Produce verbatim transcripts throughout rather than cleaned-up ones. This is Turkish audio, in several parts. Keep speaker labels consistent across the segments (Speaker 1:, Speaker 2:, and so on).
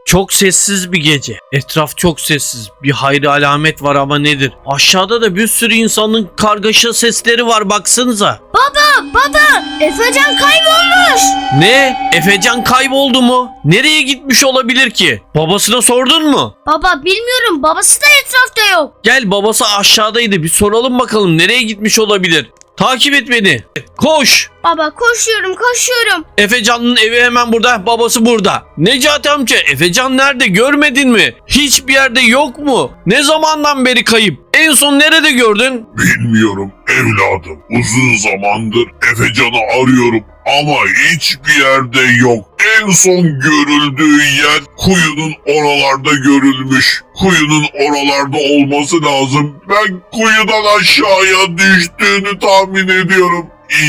Speaker 1: Çok sessiz bir gece. Etraf çok sessiz. Bir hayri alamet var ama nedir? Aşağıda da bir sürü insanın kargaşa sesleri var, baksanıza.
Speaker 2: Baba baba Efecan kaybolmuş.
Speaker 1: Ne? Efecan kayboldu mu? Nereye gitmiş olabilir ki? Babasına sordun mu?
Speaker 2: Baba bilmiyorum, babası da etrafta yok.
Speaker 1: Gel, babası aşağıdaydı, bir soralım bakalım nereye gitmiş olabilir. Takip et beni. Koş.
Speaker 2: Baba koşuyorum koşuyorum.
Speaker 1: Efecan'ın evi hemen burada, babası burada. Necati amca, Efecan nerede, görmedin mi? Hiçbir yerde yok mu? Ne zamandan beri kayıp? En son nerede gördün?
Speaker 3: Bilmiyorum evladım. Uzun zamandır Efecan'ı arıyorum ama hiçbir yerde yok. En son görüldüğü yer kuyunun oralarda görülmüş. Kuyunun oralarda olması lazım. Ben kuyudan aşağıya düştüğünü tahmin ediyorum.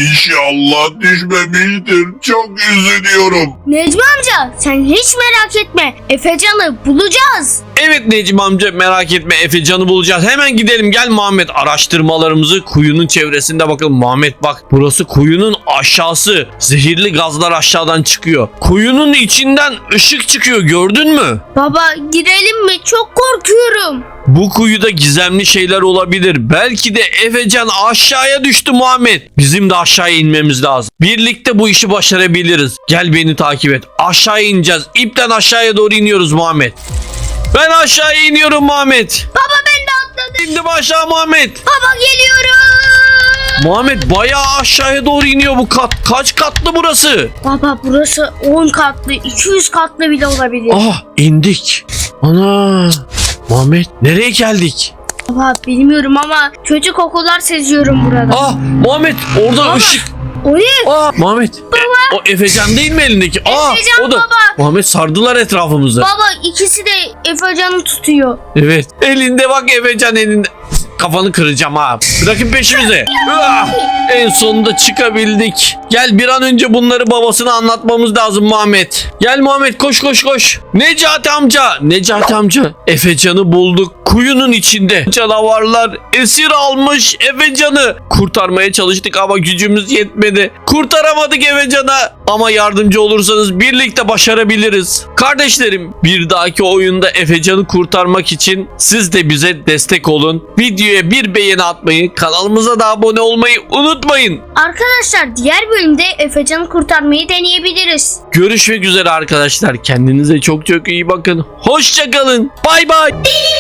Speaker 3: İnşallah düşmemiştir. Çok üzülüyorum.
Speaker 2: Necmi amca sen hiç merak etme, Efecan'ı bulacağız.
Speaker 1: Evet Necmi amca, merak etme, Efecan'ı bulacağız. Hemen gidelim, gel Muhammed, araştırmalarımızı kuyunun çevresinde bakalım. Muhammed bak, burası kuyunun aşağısı. Zehirli gazlar aşağıdan çıkıyor. Kuyunun içinden ışık çıkıyor, gördün mü?
Speaker 2: Baba girelim mi? Çok korkuyorum.
Speaker 1: Bu kuyuda gizemli şeyler olabilir. Belki de Efecan aşağıya düştü Muhammed. Bizim de aşağıya inmemiz lazım. Birlikte bu işi başarabiliriz. Gel beni takip et. Aşağıya ineceğiz. İpten aşağıya doğru iniyoruz Muhammed. Ben aşağıya iniyorum Muhammed.
Speaker 2: Baba ben de atladım.
Speaker 1: İndim aşağı Muhammed.
Speaker 2: Baba geliyorum.
Speaker 1: Muhammed bayağı aşağıya doğru iniyor bu kat. Kaç katlı burası?
Speaker 2: Baba burası on katlı, iki yüz katlı bile olabilir.
Speaker 1: Ah, indik. Ana. Muhammed nereye geldik?
Speaker 2: Baba bilmiyorum ama kötü kokular seziyorum burada.
Speaker 1: Ah Muhammed, orada
Speaker 2: Baba.
Speaker 1: ışık.
Speaker 2: O ne?
Speaker 1: Ah Muhammed. E, o Efecan değil mi elindeki? Ah,
Speaker 2: Efecan
Speaker 1: o da.
Speaker 2: baba.
Speaker 1: Muhammed, sardılar etrafımızı.
Speaker 2: Baba ikisi de Efecan'ı tutuyor.
Speaker 1: Evet. Elinde bak, Efecan elinde. Kafanı kıracağım ha. Bırakın peşimize. Ah! En sonunda çıkabildik. Gel, bir an önce bunları babasına anlatmamız lazım Muhammed. Gel Muhammed, koş koş koş. Necati amca. Necati amca. Efecan'ı bulduk. Kuyunun içinde. Canavarlar esir almış Efecan'ı. Kurtarmaya çalıştık ama gücümüz yetmedi. Kurtaramadık Efecan'a. Ama yardımcı olursanız birlikte başarabiliriz. Kardeşlerim, bir dahaki oyunda Efecan'ı kurtarmak için siz de bize destek olun. Videoya bir beğeni atmayı, kanalımıza da abone olmayı unutmayın.
Speaker 2: Arkadaşlar diğer bölümde Efecan'ı kurtarmayı deneyebiliriz.
Speaker 1: Görüşmek üzere arkadaşlar. Kendinize çok çok iyi bakın. Hoşça kalın. Bay bay.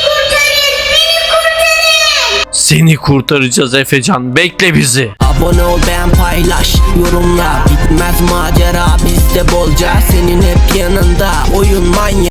Speaker 1: Seni kurtaracağız Efecan. Bekle bizi.
Speaker 4: Abone ol, beğen, paylaş, yorumla. Bitmez macera bizde bolca. Senin hep yanında oyun manyak.